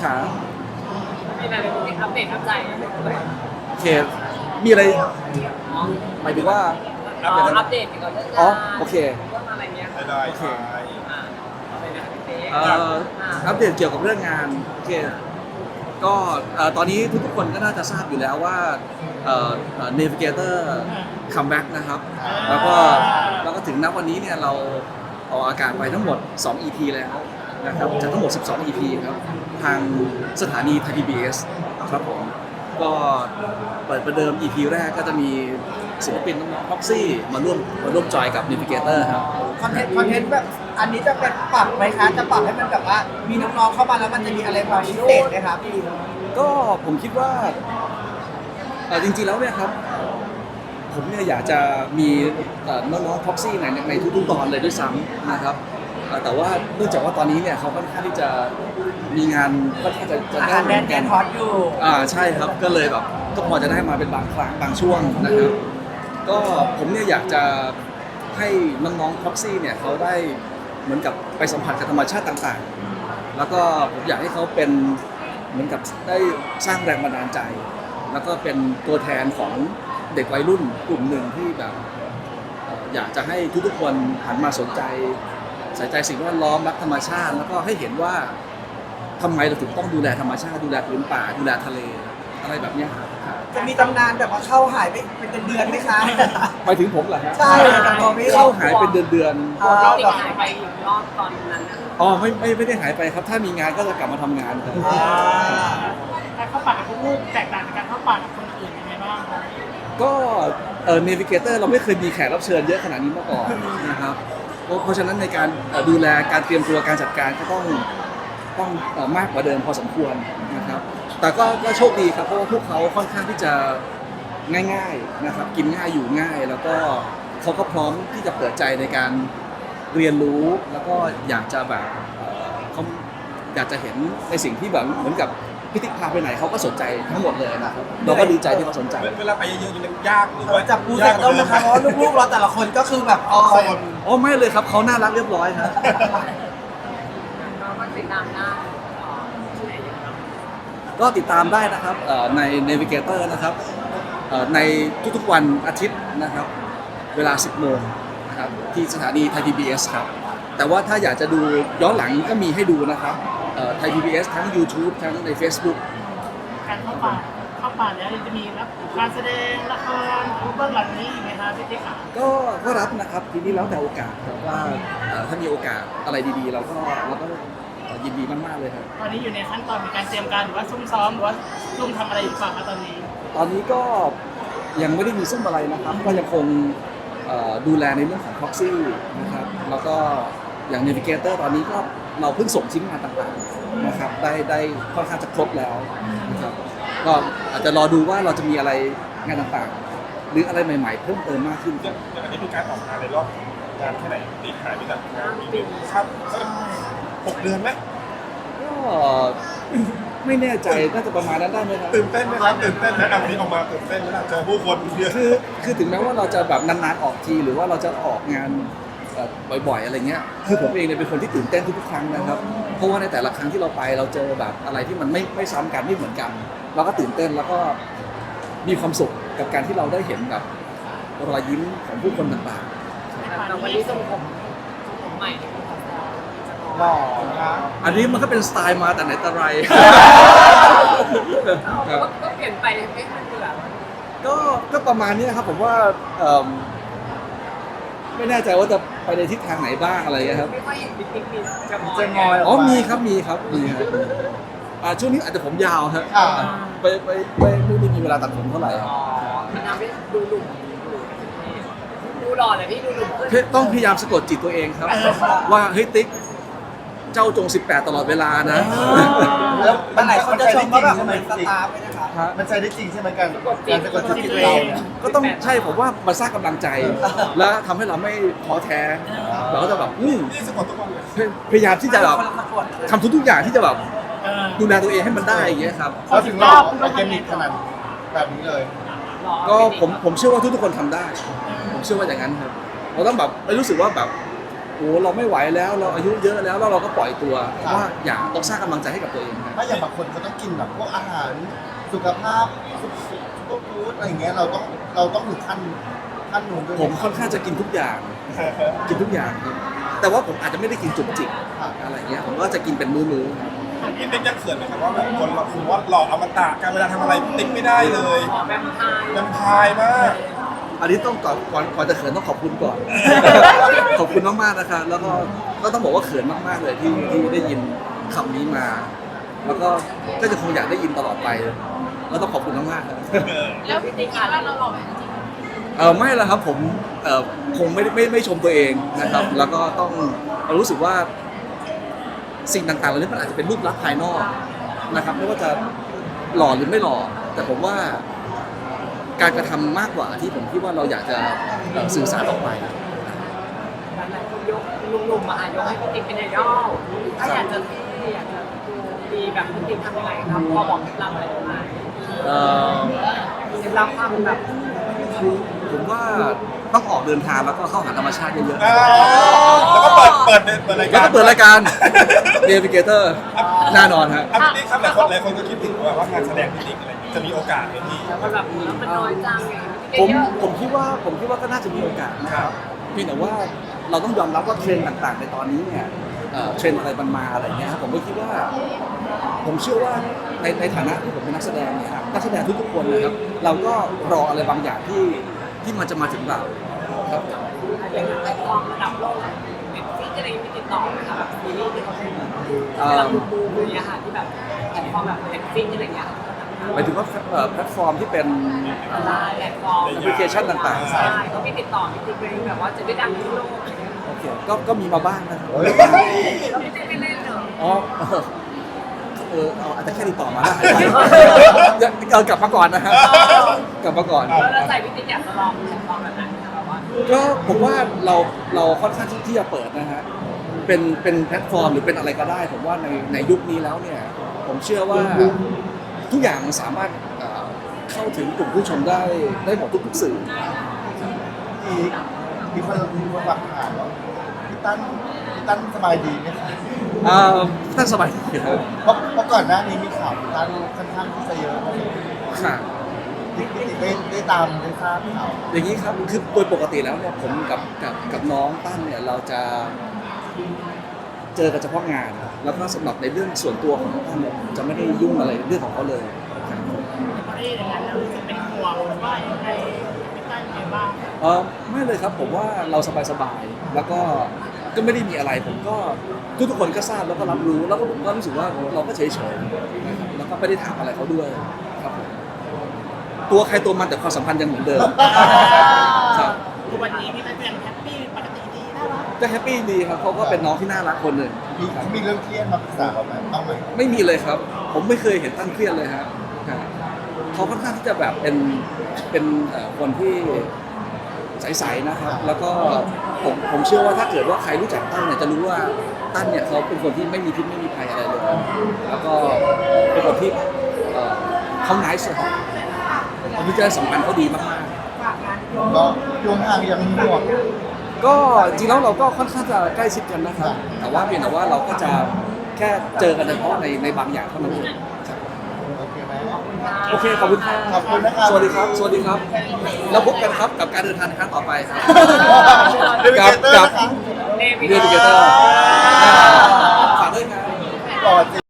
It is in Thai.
ขามีอะไรเป็นอัปเดตอัปใจเลยโอเคมีอะไรหมายถึงว่าอัปเดตเกี่ยวกับเรื่องงานอ๋อโอเคเรื่องอะไรเงี้ยได้โอเคอะไรนะพี่เต้อัปเดตเกี่ยวกับเรื่องงานโอเคก็ตอนนี้ทุกๆคนก็น่าจะทราบอยู่แล้วว่าNavigator comeback นะครับแล้วก็ถึงณวันนี้เนี่ยเราออกอากาศไปทั้งหมด2 EP แล้วนะครับจากทั้งหมด12 EP ครับทางสถานีไทย PBS ครับผมก็เปิดประเดิม EP แรกก็จะมีศิลปินน้องๆ Proxy มาร่วมจอยกับ Navigator ครับคอนเทนต์แบบอันนี้จะเป็นปรับไหมคะจะปรับให้มันแบบว่ามีน้องๆเข้ามาแล้วมันจะมีอะไรความพิเศษไหมครับพี่ก็ผมคิดว่าจริงๆแล้วเนี่ยครับผมเนี่ยอยากจะมีน้องๆ Proxy ในทุกๆตอนเลยด้วยซ้ำนะครับแต่ว่าเนื่องจากว่าตอนนี้เนี่ยเขาค่อนข้างที่จะมีงานค่อนข้างจะอาหารแดนฮอตอยู่ใช่ครับก็เลยแบบก็พอจะได้มาเป็นบางครั้งบางช่วงนะครับก็ผมเนี่ยอยากจะให้น้องๆ Proxy เนี่ยเขาได้เหมือนกับไปสัมผัสกับธรรมชาติต่างๆแล้วก็ผมอยากให้เขาเป็นเหมือนกับได้สร้างแรงบันดาลใจ แล้วก็เป็นตัวแทนของเด็กวัยรุ่นกลุ่มหนึ่งที่แบบอยากจะให้ทุกๆคนหันมาสนใจใส่ใจสิ่งแวดล้อมรักธรรมชาติ แล้วก็ให้เห็นว่าทำไมเราถึงต้องดูแลธรรมชาติดูแลพื้นป่าดูแลทะเลอะไรแบบเนี้ยครับจะมีตำนานแบบว่าเข้าหายไปเป็นเดือนไหมคะไปถึงผมเหรอฮะใช่แต่พอไม่เข้าหายเป็นเดือนติ๊กหายไปอีกรอบตอนนั้นนะๆอ๋อไม่ได้หายไปครับถ้ามีงานก็จะกลับมาทำงานครับการเข้าป่ากับลูกๆแตกต่างจากการเข้าป่ากับคนอื่นยังไงบ้างครับก็Navigator เราไม่เคยมีแขกรับเชิญเยอะขนาดนี้มาก่อนนะครับเพราะฉะนั้นในการดูแลการเตรียมตัวการจัดการก็ต้องมากกว่าเดิมพอสมควรนะครับแต่ก็โชคดีครับเพราะว่าพวกเขาค่อนข้างที่จะง่ายๆนะครับกินง่ายอยู่ง่าย แล้วก็เขาก็พร้อมที่จะเปิดใจในการเรียนรู้แล้วก็อยากจะแบบเขาอยากจะเห็นในสิ่งที่แบบเหมือนกับพิธีพาไปไหนเขาก็สนใจทั้งหมดเลยนะครับเราก็ดีใจที่เขาสนใจเวลาไปเยอะๆมันยากหรือว่าจับปูใส่ต้มนะคะเพราะว่าลูกๆเราแต่ละคนก็คือแบบโซนอ๋อไม่เลยครับเขาน่ารักเรียบร้อยครับเราก็ติดตามได้ที่ไหนยังไงก็ติดตามได้นะครับใน Navigator นะครับในทุกๆวันอาทิตย์นะครับเวลา 10 โมงนะครับที่สถานีไทย PBS ครับแต่ว่าถ้าอยากจะดูย้อนหลังก็มีให้ดูนะครับไทย PBS ทั้ง YouTube ทั้งใน Facebook การเข้าป่าแล้วจะมีรับการแสดงละครหรือเบื้องหลังนี้อีกไหมคะพี่ติ๊กค่ะก็รับนะครับทีนี้แล้วแต่โอกาสครับว่าถ้ามีโอกาสอะไรดีๆเราก็ยินดีมากๆเลยครับตอนนี้อยู่ในขั้นตอนของการเตรียมการหรือว่าซุ่มซ้อมหรือว่าซุ่มทำอะไรอยู่เปล่าคะตอนนี้ตอนนี้ก็ยังไม่ได้มีซุ่มอะไรนะครับ ก็ยังคงดูแลในเรื่องของ Proxy นะครับแล้วก็อย่าง Navigator ตอนนี้ก็เราเพิ่งส่งชิ้นงานต่างๆนะครับได้ค่อนข้างจะครบแล้วนะครับก็อาจจะรอดูว่าเราจะมีอะไรงานต่างๆ หรืออะไรใหม่ๆเพิ่มเติมมากขึ้นอย่างอันนี้เป็นการออกงานในรอบงานแค่ไหนตีขายไปจากงานปีนึงครับสัก6 เดือนไหมก็ไม่แน่ใจน่าจะประมาณนั้นได้ไหมครับตื่นเต้นไหมครับตื่นเต้นนะวันนี้ออกมาตื่นเต้นไหมล่ะเจอผู้คนเยอะคือถึงแม้ว่าเราจะแบบนานๆออกทีหรือว่าเราจะออกงานบ่อยๆอะไรเงี้ยคือผมเองเนี่ยเป็นคนที่ตื่นเต้นทุกๆครั้งนะครับเพราะว่าในแต่ละครั้งที่เราไปเราเจอแบบอะไรที่มันไม่ซ้ำกันไม่เหมือนกัน เราก็ตื่นเต้นแล้วก็มีความสุขกับการที่เราได้เห็นแบบรอยยิ้มของผู้คนต่างแต่วันนี้ทรงผมใหม่หล่อนะๆอันนี้มันก็เป็นสไตล์มาแต่ไหนแต่ไร ครับก็เปลี่ยนไปไม่ทันเบื่อก็ประมาณนี้ครับผมว่าไม่แน่ใจว่าจะไปในทิศทางไหนบ้างอะไรเงี้ยครับไม่ค่อยเห็นบิ๊กบิ๊กมีจะมจะงอยอ๋อมีครับช่วงนี้อาจจะผมยาวครับอ่าไม่ได้มีเวลาตัดผมเท่าไหร่ครับมันทำให้ดูหนุ่มดูหล่อเลยพี่ดูหนุ่มขึ้นต้องพยายามสะกดจิตตัวเองครับ ว่าเฮ้ยติ๊กเจ้าจง 18 ตลอดเวลานะแล้วหลายคนจะชมว่าแบบเหมือนสตาร์ฟเลยนะคะฮะมันใช้ได้จริงใช่ไหมการสะกดจิตตัวเองก็ต้องใช่ผมว่ามันสร้างกำลังใจ และทำให้เราไม่ท้อแท้เราก็จะแบบนี่สะกดทุกวันเลยพยายามที่จะแบบคนละสะกดทำทุกๆอย่างที่จะแบบเออดูแลตัวเองให้มันได้อย่างเงี้ยครับเขาถึงรอบออร์แกนิกขนาดแบบนี้เลยก็ผมเชื่อว่าทุกๆคนทำได้ ผมเชื่อว่าอย่างนั้นครับเราต้องแบบไม่รู้สึกว่าแบบโอ้เราไม่ไหวแล้วเราอายุเยอะแล้วเราก็ปล่อยตัวเพราะว่าอย่าต้องสร้างกำลังใจให้กับตัวเองครับถ้าอย่างบางคนเขาต้องกินแบบพวกอาหารสุขภาพซุปเปอร์ฟู้ดอะไรอย่างเงี้ยเราต้องถึงขั้นนู้นด้วยไหผมค่อนข้างจะกินทุกอย่าง กินทุกอย่างครับแต่ว่าผมอาจจะไม่ได้กินจุกจิกอะไรเงี้ยผมก็จะกินเป็นมื้อๆครับพี่ติ๊กยังเขินไหมครับว่าแบบคนเราคือว่าหล่ออมตะการเวลาทำอะไรพี่ติ๊กไม่ได้เลยขอแบมพายลำพายมากอันนี้ต้องก่อนจะเขินต้องขอบคุณก่อน ขอบคุณมากๆนะคะแล้วก็ต้องบอกว่าเขินมากๆเลยที่ได้ยินคำนี้มา แล้วก็จะคงอยากได้ยินตลอดไปแล้วต้องขอบคุณมากๆครับแล้วพี่ติ๊กคิดว่าเราหล่อไหมจริงไม่ละครับผมคงไม่ชมตัวเองนะครับ แล้วก็ต้องรู้สึกว่าสิ่งต่างๆเหล่านี้มันอาจจะเป็นรูปลักษณ์ภายนอกนะครับไม่ว่าจะหล่อหรือไม่หล่อแต่ผมว่าการกระทำมากกว่าที่ผมคิดว่าเราอยากจะสื่อสารออกไปหลายคนยกหนุ่มๆมายกให้พี่ติ๊กเป็นไอดอลถ้าอยากจะเท่อยากจะดูดีแบบพี่ติ๊กทำยังไงครับพอบอกเคล็ดลับอะไรได้ไหมเอ่อเคล็ดลับความแบบผมว่าต้องออกเดินทางแล้วก็เข้าหาธรรมชาติเยอะแล้วก็เปิดรายๆการแล้วก็เปิดรายการ Navigator แน่นอนฮะพี่ติ๊กครับหลายคนก็คิดถึงว่างานแสดงพี่ติ๊กอะไรจะมีโอกาสไหมพี่แล้วก็แบบมันน้อยจังไงผมคิดว่าก็น่าจะมีโอกาสนะครับเพียงแต่ว่าเราต้องยอมรับว่าเทรนด์ต่างๆ ในตอนนี้เนี่ยเทรนด์อะไรมันมาอะไรเงี้ยครับผมก็คิดว่า ผมเชื่อว่าในฐานะที่ผมเป็นนักแสดงเนี่ยครับนักแสดงทุกๆคนนะครับเราก็รออะไรบางอย่างที่มันจะมาถึงเราครับอย่างแพลตฟอร์มระดับโลกเน็ตฟลิกอะไรมีติดต่อไหมคะแบบซีรีส์ที่เขาเป็นเวลาบูมอะไรอย่างเงี้ยค่ะที่แบบแพลตฟอร์มแบบเน็ตฟลิกอะไรอย่างเงี้ยหมายถึงว่าแพลตฟอร์มที่เป็นไลน์แพลตฟอร์มแอปพลิเคชันต่างๆใช่เขามีติดต่อพี่ติ๊กเลยแบบว่าจะได้ดังทั่วโลกอะไรเงี้ยโอเคก็มีมาบ้างนะครับแล้วพี่ติ๊กไม่เล่นเหรออ๋ออาจจะแค่ติดต่อมาแล้วกลับมาก่อนนะฮะกลับมาก่อนแล้วใจพี่ติ๊กอยากจะลองแพลตฟอร์มแบบไหนคะแบบว่าก็ผมว่าเราค่อนข้างที่จะเปิดนะฮะเป็นแพลตฟอร์มหรือเป็นอะไรก็ได้ ผมว่าในยุคนี้แล้วเนี่ย ผมเชื่อว่าทุกอย่างมันสามารถเข้าถึงกลุ่มผู้ชมได้หมดทุกๆสื่อมีคนฝากถามว่าพี่ตั้นสบายดีไหมคะท่านสบายดีครับเพราะก่อนหน้านี้มีข่าวพี่ตั้นค่อนข้างที่จะเยอะค่ะพี่ได้ตามได้ทราบข่าวอย่างนี้ครับคือโดยปกติแล้วเนี่ยผมกับน้องตั้นเนี่ยเราจะเจอกันเฉพาะงาน แล้วก็สำหรับในเรื่องส่วนตัวของน้องตั้นเนี่ยจะไม่ได้ยุ่งอะไรเรื่องของเขาเลยครับพอได้อย่างนั้นแล้วรู้สึกเป็นห่วงว่ายังไงพี่ตั้นยังไงบ้างไม่เลยครับผมว่าเราสบายๆแล้วก็ไม่ได้มีอะไรผมก็ทุกคนก็ทราบแล้วก็รับรู้แล้วก็ผมก็รู้สึกว่าเราก็เฉยๆนะครับแล้วก็ไม่ได้ถามอะไรเขาด้วยครับผมตัวใครตัวมันแต่ความสัมพันธ์ยังเหมือนเดิมครับทุกวันนี้พี่ตั้นยังแฮปปี้ปกติดีน่ารักก็แฮปปี้ดีครับเขาก็เป็นน้องที่น่ารักคนหนึ่งครับมีเรื่องเครียดมาปรึกษาเราไหมบ้างไหมไม่มีเลยครับ ผมไม่เคยเห็นตั้งเครียดเลยครับเขาค่อนข้างที่จะแบบเป็นคนที่ใสๆนะครับ แล้วก็ผมเชื่อว่าถ้าเกิดว่าใครรู้จักตั้นเนี่ยจะรู้ว่าตั้นเนี่ยเขาเป็นคนที่ไม่มีพิษไม่มีภัยอะไรเลยแล้วก็เป็นคนที่เขาไนส์ครับวิจารณ์สัมพันธ์เขาดีมากก็ช่วงห่างยังห่วงๆก็จริงแล้วเราก็ค่อนข้างจะใกล้ชิดกันนะครับ แต่ว่าเพียงแต่ว่าเราก็จะแค่เจอกันเฉพาะในบางอย่างเท่านั้นเองครับโอเคไหมโอเค ขอบคุณครับขอบคุณนะครับสวัสดีครับ สวัสดีครับ แล้วพบกันครับกับการเดินทางในครั้งต่อไปครับเดวิเกเตอร์นะคะเนวิเรียนเกเกเตเตออร์ร์ฝากด้วยครับก่อน